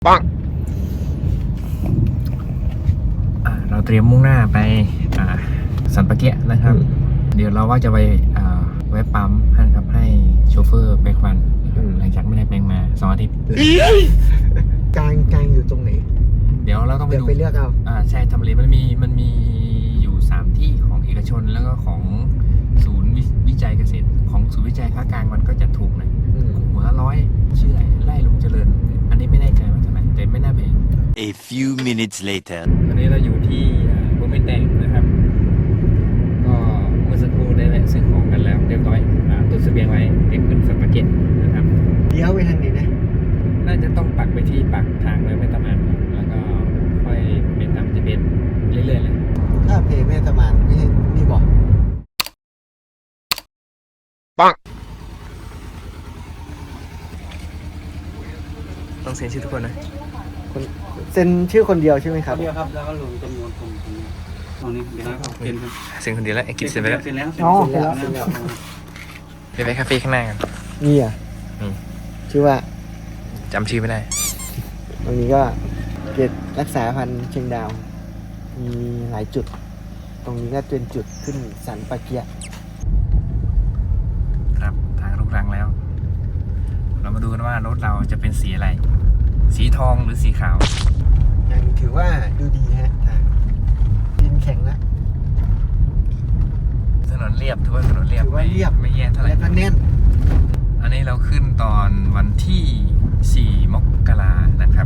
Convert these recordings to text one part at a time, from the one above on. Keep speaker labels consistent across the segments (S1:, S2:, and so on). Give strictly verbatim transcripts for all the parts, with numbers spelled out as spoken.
S1: ปังเราเตรียมมุ่งหน้าไปสันปะเกียนะครับเดี๋ยวเราว่าจะไปแวะปั๊มนะครับให้โชเฟอร์แปลงฟันหลังจากไม่ได้แปลงมาสองอาทิตย์
S2: กลางกลางอยู่ตรงไหน
S1: เดี๋ยวเราต้องไปดู
S2: ไปเลือกเอา
S1: อ่าใช่ทำเลมันมีมันมีอยู่สามที่ของเอกชนแล้วก็ของศูนย์วิจัยเกษตรของศูนย์วิจัยภาคกลางมันก็จะถูกหน่อยหัวละร้อยชื่อไล่ลุงเจริญอันนี้ไม่แน่ใจว่าเท่าไหร่แต่ไม่น่าแพง
S3: A few minutes later
S1: วันนี้เราอยู่ที่บุ้มแตงนะครับก็เมื่อสักครู่ได้แวะซื้อของกันแล้วเรียบร้อยตุนเสบียงไว้เก็บขึ้นสันปะเก็ตนะครับ
S2: เลี้ยวไปทางไหนนะ
S1: น่าจะต้องปักไปที่ปากทางเลยแม่ตะมานแล้วก็ค่อยเป็นตามจะเป็นเรื่อยๆเลย
S2: ถ้าเพแม่ตะมานไม่ใช่นี่บอก
S1: ปังต้องเซ็นชื่อทุกคนนะ
S2: คนเซ็นชื่อคนเดียวใช่ไหมครับ
S4: คนเดียวครับแล้วก็ลงจำนวนคนตรงนี้เดี๋ยวให้เขาเซ็นครับ
S1: เซ็นคนเดียวแล้วไอ้กิจเซ็นไปแล้ว
S4: เซ็นแล้ว
S2: อ๋อ
S4: เซ็นแล้ว
S1: เดี๋ยวไปคาเฟ่ข้างหน้ากัน
S2: นี่อ่ะชื่อว่า
S1: จำชื่อไม่ได้
S2: ตรงนี้ก็เขตรักษาพันธุ์เชียงดาวมีหลายจุดตรงนี้ก็เป็นจุดขึ้นสันปะเกีย
S1: ครับทางลูกรังแล้วเรามาดูกันว่ารถเราจะเป็นสีอะไรสีทองหรือสีขาว
S2: ยังถือว่าดูดีฮะทางดินแข็งแล้ว
S1: ถนนเรียบถือว่าถนนเรียบ
S2: ไม่เรียบ
S1: ไม่แย่เท่าไหร่
S2: แล้วก็แน่น
S1: อันนี้เราขึ้นตอนวันที่สี่มกรานะครับ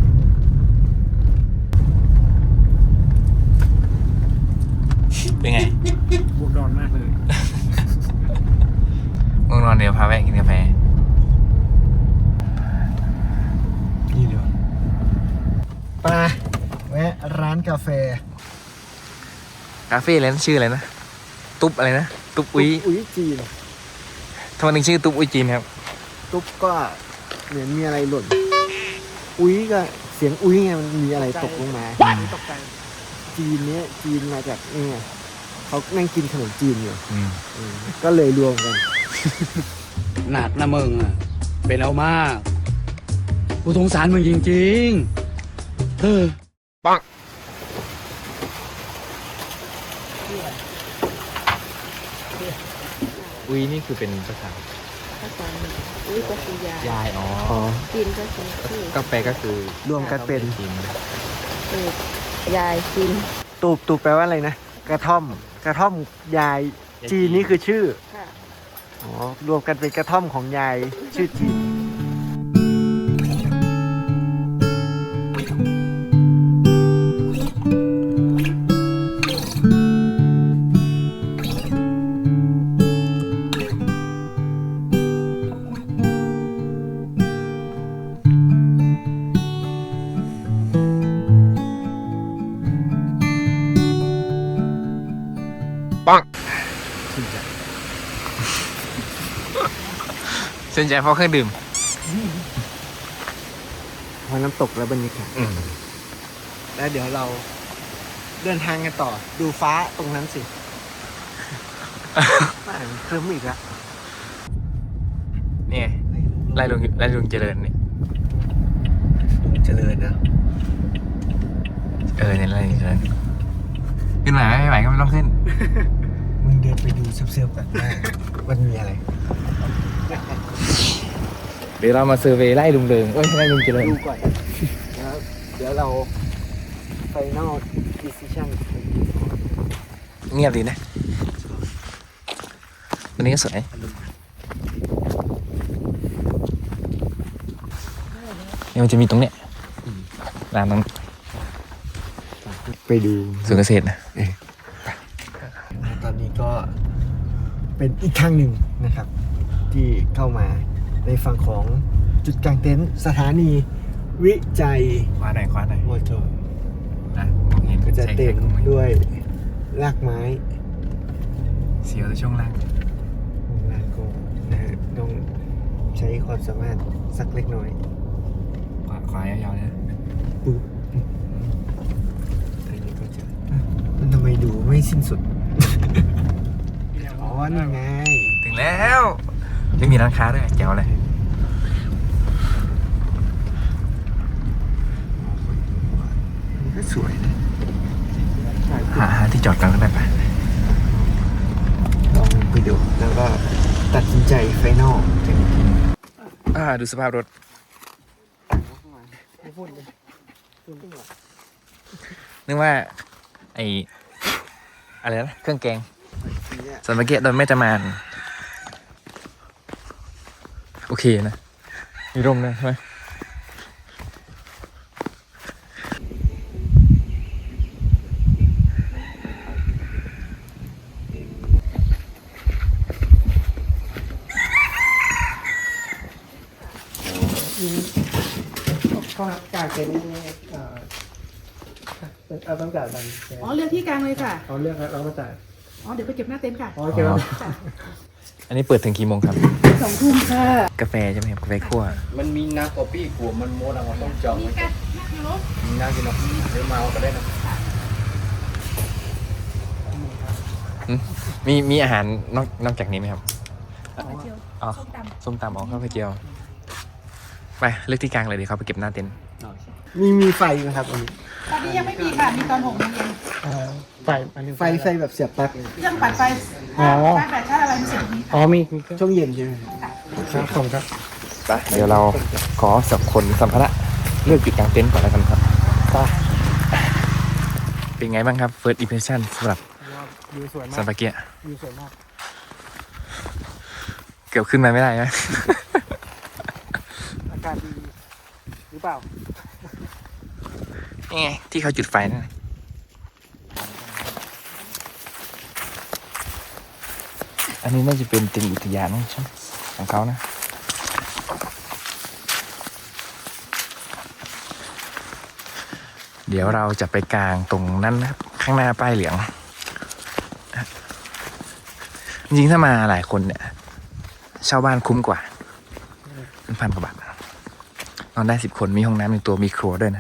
S1: เป็นไง
S4: บวกดอนมากเลย
S1: ง่วงนอนเดี๋ยวพาแวะกินกาแฟ
S2: นี่เดี๋ยวไปแวะร้านกาแฟ
S1: คาเฟ่อะไรนะชื่ออะไรนะตุ๊บอะไรนะตุ๊บอุ้ย
S2: อุ้ยจีน
S1: ทำไมถึงชื่อตุ๊บอุ้ยจีนครับ
S2: ตุ๊บก็เหมือนมีอะไรหล่นอุ้ยก็เสียงอุ้ยไงมันมีอะไรตกลงมาตกใจจีนเนี้ยจีนมาจากนี่ไงเขานั่งกินขนมจีนอยู่ก็เลยรวมกัน
S4: หนักนะมึงอ่ะเป็นเอามากกูสงสารมึงจริงๆเออ
S1: ปังอุ้ยนี่คือเป็นภาษา
S5: ภาษาอุ้ยก็คือยาย
S1: ยายอ๋อ
S5: จีนก็คือ
S1: ก็แปลก็คือ
S2: รวมกันเป็น
S1: จีน
S5: ตูบยายจีน
S2: ตูบตูบแปลว่าอะไรนะกระท่อมกระท่อมยายจีนนี่คือชื่ออ๋อรวมกันเป็นกระท่อมของยายชื่อจีน
S1: ปังสนใจเพราะเครื่องดื่ม
S2: พอน้ำตกและบรรยากาศแล้วเดี๋ยวเราเดินทางกันต่อดูฟ้าตรงนั้นสิเคลิ้มอีกแล้ว
S1: นี่ไล่ลุงไล่ลุงเจริญนี่
S2: เจริญนะ
S1: เออเนี่ยไล่ลุงเจริญขึ้นไหวไม่ไหวก็ไม่ต้องขึ้น
S2: มึงเดินไปดูเสื่อมๆกันว่ามันมีอะไร
S1: เดี๋ยวเรามาเซอร์เวย์ไล่ลุงเริงเอ้ยไล่ลุงเจริญ
S2: ดูก่อนแล้วเดี๋ยวเรา Final Decision
S1: เงียบดีนะวันนี้ก็สวยเนี่ยมันจะมีตรงเนี้ยร้านนั้น
S2: ไปดู
S1: สวนเกษตรนะ
S2: ตอนนี้ก็เป็นอีกครั้งหนึ่งนะครับที่เข้ามาในฝั่งของจุดกลางเต็นท์สถานีวิจัย
S1: คว้าไหนคว้าไหน
S2: มอเตอร์
S1: นะมองเห็น
S2: ก็จะเต็มด้วยรากไม้
S1: เสียวในช่วงล่าง
S2: ช่วงล่างก็นะฮะต้องใช้ความสามารถสักเล็กน้อย
S1: ขวาขวายาวๆนะ
S2: ปุ๊บอันนี้ก็จะมันทำไมดูไม่สิ้นสุดอ๋อนี่ไง
S1: ถึงแล้วไม่มีร้านค้าด้วยแจ๋วเลย
S2: สวยๆนะ
S1: หาหาที่จอดกันก็ได้ปะ
S2: ลองไปดูแล้วก็ตัดสินใจไฟนอล
S1: อ่าดูสภาพรถนึกว่าไออะไรนะเครื่องแกงสันปะเกะโดยแม่จะมานโอเคนะมีร่มด้วยใช่ไหม
S2: ก็กางเต็นท์เอาต้องจ่ายตังค์
S6: อ๋อเลือกที่กลางเลยค่ะ
S2: เอาเรื่องแล้วเราก็จ่าย
S6: อ๋อเดี๋ยวไปเก็บหน้าเต็นท์ค่ะ
S2: อ๋อเก็บแล้ว
S1: อันนี้เปิดถึงกี่โมงครับ
S6: สองทุ่มค่ะ
S1: กาแฟใช่ไหมครับกาแฟคั่ว
S4: มันมีนักกอปี้กลัวมันโมดเราต้องจอง
S6: นี่กันนักยูโร
S4: มีนักกินเนาะเดี๋ยวมาเอาก็ได้นะ
S1: มีมีอาหารนอกนอกจากนี้ไหมครับ
S6: ข้าวเจียว
S1: อ๋อ
S6: ส้มตำ
S1: ส้มตำอ๋อข้าวเจียวไปเลือกที่กลางเลยดีเขาไปเก็บหน้าเต็นท์
S2: มีมีไฟไหมครับอันนี้
S6: ตอนนี้ยังไม่มีค่ะ มีตอนหกโมงเย็น
S2: ไฟไฟไฟแบบเสียบปลั๊ก
S6: เครื่องปั่นไฟ
S2: อ๋อ
S6: ไฟแบตชาร์จอะไรมีเสียตรงนี้
S2: อ๋อมีช่วงเย็นใช่ไหมครับผมครับ
S1: ไปเดี๋ยวเราขอสับขนสัมภาระเลือกจุดกลางเต็นท์ก่อนแล้วกันครับ
S2: ไป
S1: เป็นไงบ้างครับ first impression สำหรับ
S2: วิวสวยมา
S1: ซั
S2: ก
S1: นปาเกะ
S2: วิวสวยมาก
S1: เกือบขึ้นมาไม่ได้นะ
S2: อากาศดีหรือเปล่า
S1: นี่ไงที่เขาจุดไฟนั่นน่ะอันนี้น่าจะเป็นติ่งอุทยานใช่ไหมของเขานะ เดี๋ยวเราจะไปกลางตรงนั้นนะครับ ข้างหน้าป้ายเหลือง จริงๆถ้ามาหลายคนเนี่ยเช่าบ้านคุ้มกว่าเป็นพันกว่าบาทนอนได้สิบคนมีห้องน้ำในตัวมีครัวด้วยนะ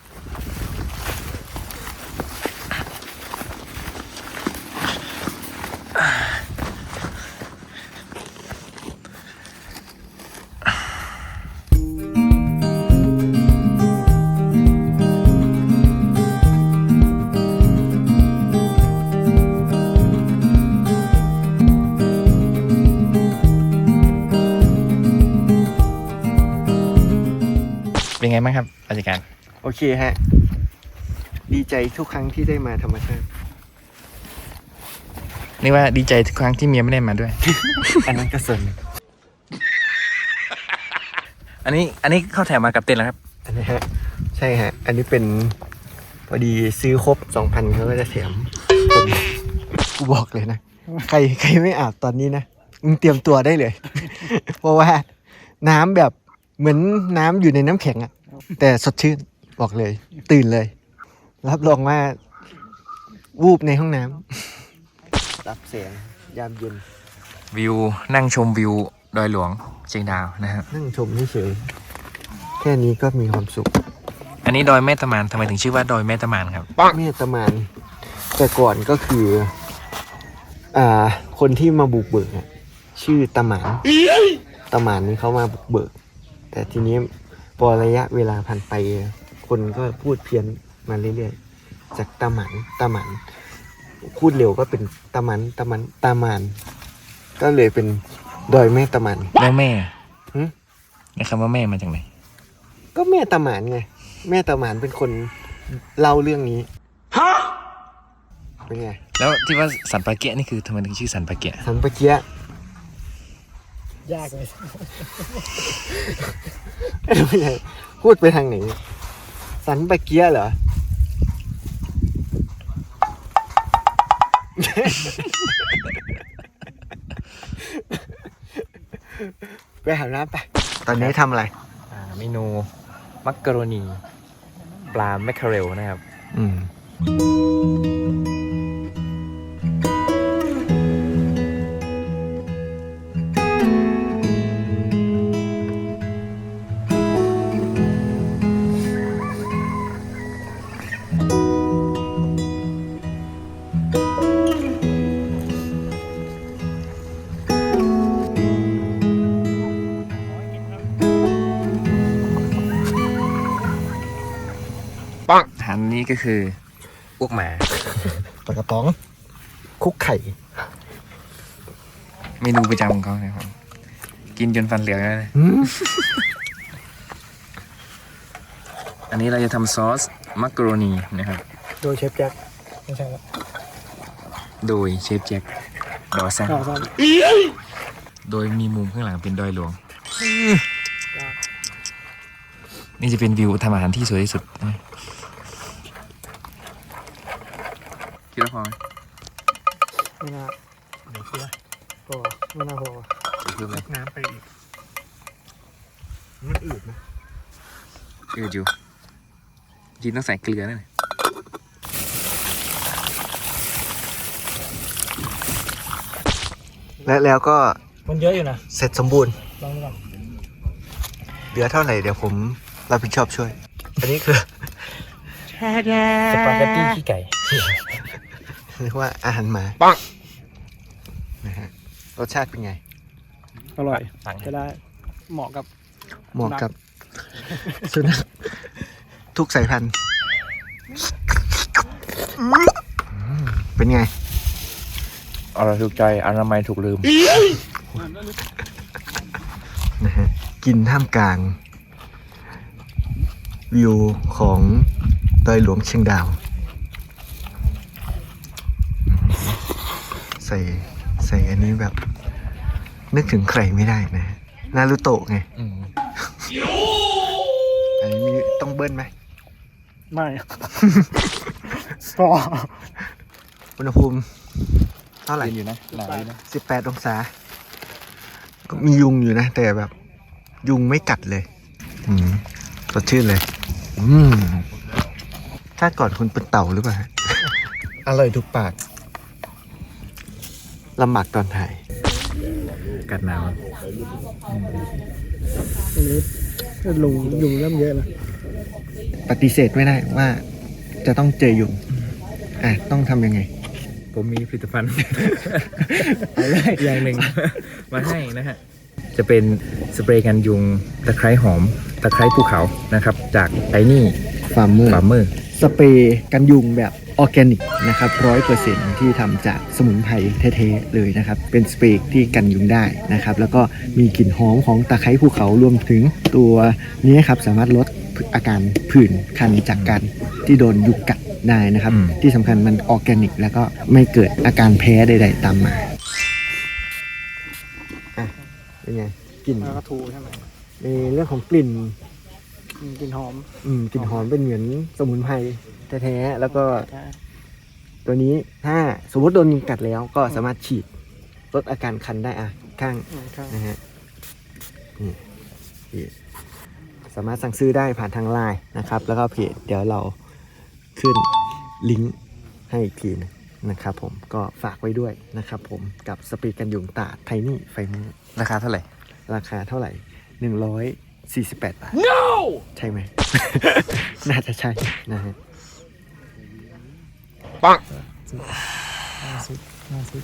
S1: เป็นไงบ้างครับราชการ
S2: โอเคฮะ ดีใจทุกครั้งที่ได้มาธรรมชาติ
S1: นี่ว่าดีใจทุกครั้งที่เมียไม่ได้มาด้วย
S2: อันนั้นก็ส่วนหนึ่ง
S1: อันนี้อันนี้เข้าแถวมากับเต็นท์แล้วครับ
S2: อันนี้ฮะ ใช่ฮะ อันนี้เป็นพอดีซื้อครบสองพันเขาก็จะแถมผมกูบอกเลยนะ ใครใครไม่อาบตอนนี้นะมึงเตรียมตัวได้เลย เพราะว่าน้ำแบบเหมือนน้ำอยู่ในน้ำแข็งอะแต่สดชื่นบอกเลย ตื่นเลย รับรองว่าวูบในห้องน้ำรับแสงยามเย็น
S1: วิวนั่งชมวิวดอยหลวงเชียงดาวนะครับ
S2: นั่งชมเฉยๆแค่นี้ก็มีความสุข
S1: อันนี้ดอยแม่ตะมานทำไมถึงชื่อว่าดอยแม่ตะมานครับ
S2: เมตตามานแต่ก่อนก็คือ อ่า คนที่มาบุกเบิกอะชื่อตาหมานตาหมานนี่เขามาบุกเบิก แต่ทีนี้พอระยะเวลาผ่านไป คนก็พูดเพี้ยนมาเรื่อยๆ จากตาหมันตาหมันพูดเร็วก็เป็นตาหมันตาหมันตาหมานก็เลยเป็นดอยแม่ตาหมัน
S1: แล้วแม่
S2: หึ
S1: ในคำว่าแม่มาจากไหน
S2: ก็แม่ตาหมานไง แม่ตาหมานเป็นคนเล่าเรื่องนี้ฮะเป็นไง
S1: แล้วที่ว่าสันปาเกะนี่คือทำไมถึงชื่อสันปาเกะ
S2: สันปะเกียยากเลยไม่ใช่พูดไปทางไหน สันปะเกียเหรอ ไปหาน้ำไป ตอนนี้ทำอะไร
S1: อ่าเมนูมักกะโรนีปลาแมคเคอเรลนะครับ
S2: อืม
S1: ปังอาหารนี้ก็คืออ้วกหมา
S2: ปลากระป๋องคุกไข่
S1: เมนูประจำของเขานะครับกินจนฟันเหลืองแล้วนะ
S2: อืม
S1: อันนี้เราจะทำซอสมักกะโรนีนะครับ
S2: โดยเชฟแจ็คไม่ใช่ครับ
S1: โดยเชฟแจ็คดอสัน
S2: ต่อซ้
S1: โดยมีมุมข้างหลังเป็นดอยหลวง นี่จะเป็นวิวทำอาหารที่สวยที่สุดนะคิดว่าพอไหม
S2: ำไม่น่าเดี๋ยวเชื่อพอไม่น่าพอ
S1: เพิ่มเลย
S2: น้ำไปอีกมันอืดนะ
S1: อืดอยู่จริงต้องใส่เกลือนั่นแหละ
S2: และแล้วก็
S7: มันเยอะอยู่นะ
S2: เสร็จสมบูรณ์
S7: ลองดูก่อน
S2: เหลือเท่าไหร่เดี๋ยวผมรับผิดชอบช่วย อันนี้คือ
S7: สปาเกตตี้ขี้ไก่
S2: เรียกว่าอาหารหมา
S1: ปัง
S2: นะฮะรสชาติเป็นไง
S7: อร่อย
S1: สั่ง
S7: จะได้ เหมาะกับ
S2: เหมาะกับสุนัขทุกสายพันธุ์อืมเป็นไง
S1: อร่อยถูกใจอนามัยถูกลืม
S2: นะฮะกินท่ามกลาง วิวของดอยหลวงเชียงดาว ใส่ใส่อันนี้แบบ นึกถึงใครไม่ได้นะฮะนารูโตะไง
S1: อืม
S2: อันนี้มีต้องเบิ้ลไหม
S7: ไม่ ก็
S2: อุณหภูมิเท่าไหร่
S1: เย็นอยู่นะหนาวอยู่นะ
S2: สิบแปดองศา ก็มียุงอยู่นะ แต่แบบ ยุงไม่กัดเลย อืมสดชื่นเลย อืมชาติก่อนคุณเป็นเต่าหรือเปล่าฮะ อร่อยทุกปากลำบากตอนถ่าย
S1: กัดหนาว
S7: อันนี้ลุงยุงเริ่มเยอะแล้ว
S2: ปฏิเสธไม่ได้ว่า จะต้องเจอยุง อ่ะ ต้องทำยังไง
S1: ผมมีผลิตภัณฑ์ อย่างหนึ่ง มาให้นะฮะ จะเป็นสเปรย์กันยุงตะไคร้หอม ตะไคร้ภูเขานะครับ จากไทนี่
S2: ฟาร์มเมอร์
S1: ฟาร์มเมอร์
S2: สเปรย์กันยุงแบบออร์แกนิกนะครับร้อยเปอร์เซ็นต์ที่ทำจากสมุนไพรแท้ๆเลยนะครับ เป็นสเปรย์ที่กันยุงได้นะครับ แล้วก็มีกลิ่นหอมของตะไคร้ภูเขารวมถึงตัวนี้ครับสามารถลดอาการผื่นคันจากการที่โดนยุงกัดได้นะครับ
S1: อืม
S2: ที่สำคัญมันออร์แกนิก แล้วก็ไม่เกิดอาการแพ้ใดๆตามมาอ่ะเป็นไงกลิ่น
S7: แล้วก็ทูใช่ไหม
S2: ในเรื่องของกลิ่น
S7: อืมกลิ่นหอม
S2: อืมกลิ่นหอมเป็นเหมือนสมุนไพรแท้ๆแล้วก็
S7: ใช่
S2: ตัวนี้ถ้าสมมติโดนยุงกัดแล้วก็สามารถฉีดลดอาการคันได้อ่ะข้าง
S7: อืมใช่
S2: นะฮะนี่นี่สามารถสั่งซื้อได้ผ่านทางไลน์นะครับ แล้วก็เพจเดี๋ยวเราขึ้นลิงก์ให้อีกทีนะนะครับผมก็ฝากไว้ด้วยนะครับผมกับสปีดกันยุงตาไทนี่ไฟมือ
S1: ราคาเท่าไหร่
S2: ราคาเท่าไหร่หนึ่งร้อยสี่สิบแปดบาท no ใช่ไหม น่าจะใช่นะฮะ
S1: ปัง
S7: ห้าสิบห้าสิบ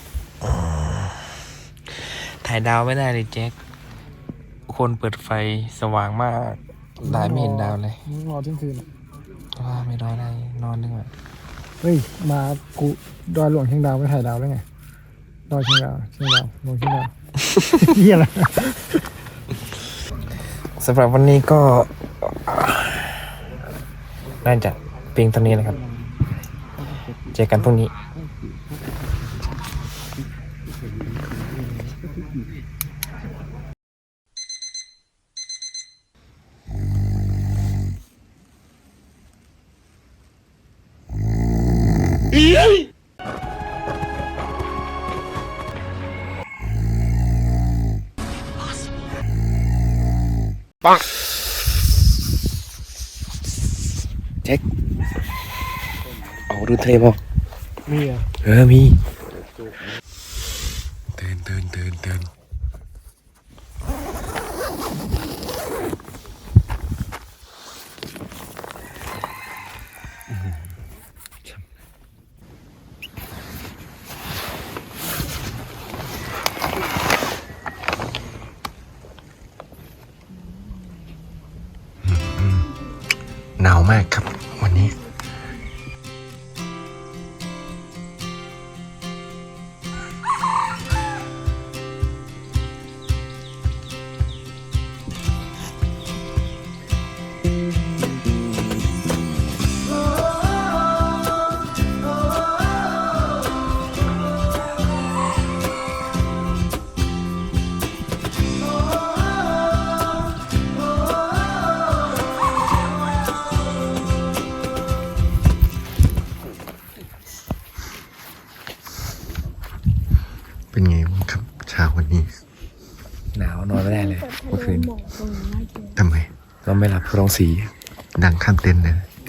S1: ถ่ายดาวไม่ได้เลยแจ็ค คนเปิดไฟสว่างมากหลายไม่เห็นดาวเลย
S7: รอเที่ยงคืนอะ
S1: ว่าไม่รอได้นอนดีกว่า
S7: เฮ้ย มากูดอยหลวงเชียงดาวไม่ถ่ายดาวได้ไง ดอยเชียงดาวเชียงดาวหลวงเชียงดาว เฮียอะไร
S1: สำหรับวันนี้ก็ น่าจะเพียงเท่านี้นะครับ เจอกันพรุ่งนี้ ปังเช็คเอาดูเทปอ่ะ
S7: มีอ่ะ
S1: เออ มีเตือนเตือนเตือนเตือนหนาวมากครับวันนี้เป็นไงบ้างครับเช้าวันนี้ หนาวนอนไม่ได้เลยเมื่อคืนทำไมเราไม่หลับเพราะร้องสีดังข้ามเต็นท์เลย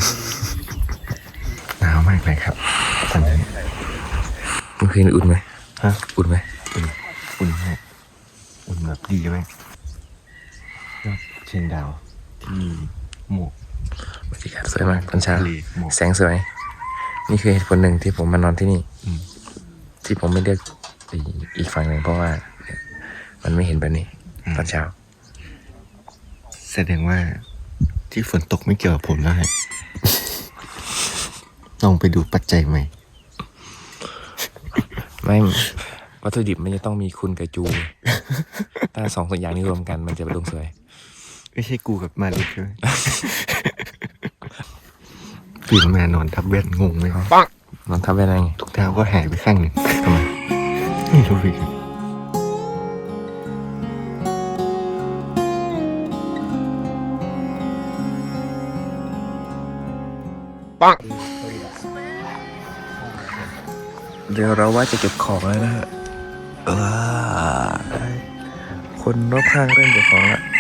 S1: หนาวมากเลยครับตอนนี้เมื่อคืนอุ่นไหมฮะอุ่นไหมอุ่นอุ่นมากอุ่นแบบดีไหมยอดเชียงดาวที่หมอกบรรยากาศสวยมากตอนเช้าแสงสวยนี่คือเหตุผลหนึ่งที่ผมมานอนที่นี่ที่ผมไม่เลือกอีกฝั่งหนึ่งเพราะว่ามันไม่เห็นแบบนี้ตอนเช้าแสดงว่าที่ฝนตกไม่เกี่ยวกับผมแล้วฮะ ลองไปดูปัจจัยใหม่ ไม่วัตถุดิบมันจะต้องมีคุณกับจู ถ้าสองอย่างนี้รวมกันมันจะเป็นดวงสวยไม่ใช่กูกับมาลิกใช่ไหม ตื่นมานอนทับแว่นงงไหมปังนอนทับแว่นอะไรไงทุกเท้าก็หายไปข้างหนึ่งทำไมไม่รู้เลยปังเดี๋ยวเราว่าจะเก็บของแล้วนะฮะเออคนรอบข้างเริ่มเก็บของแล้ว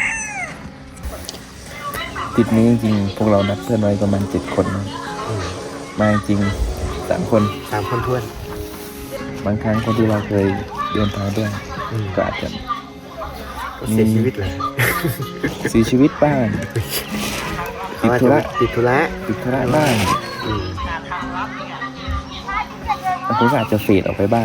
S1: ทริปนี้จริงๆพวกเรานัดเพื่อนไว้ประมาณเจ็ดคนนะมาจริงสามคนสามคนทวนบางครั้งคนที่เราเคยเดินทางด้วยก็อาจจะเสียชีวิตเลยเสียชีวิตบ้างติดธุระติดธุระติดธุระบ้างบางคนก็อาจจะเฟดออกไปบ้าง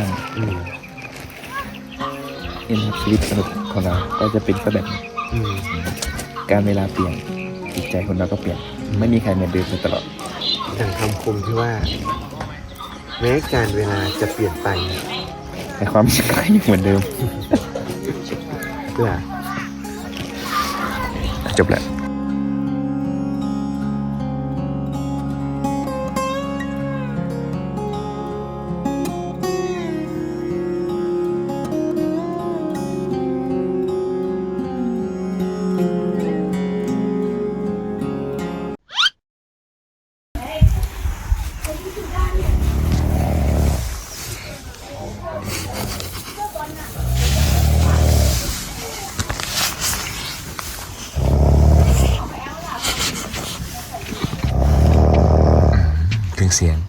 S1: นี่นะครับชีวิตมนุษย์ของเราก็จะเป็นแบบนี้การเวลาเปลี่ยนจิตใจคนเราก็เปลี่ยนไม่มีใครเหมือนเดิมตลอดดังคำคมที่ว่าแม้การเวลาจะเปลี่ยนไปแต่ความคิดก็ยังเหมือนเดิมเพื่อจบแล้วเครื่องเสียง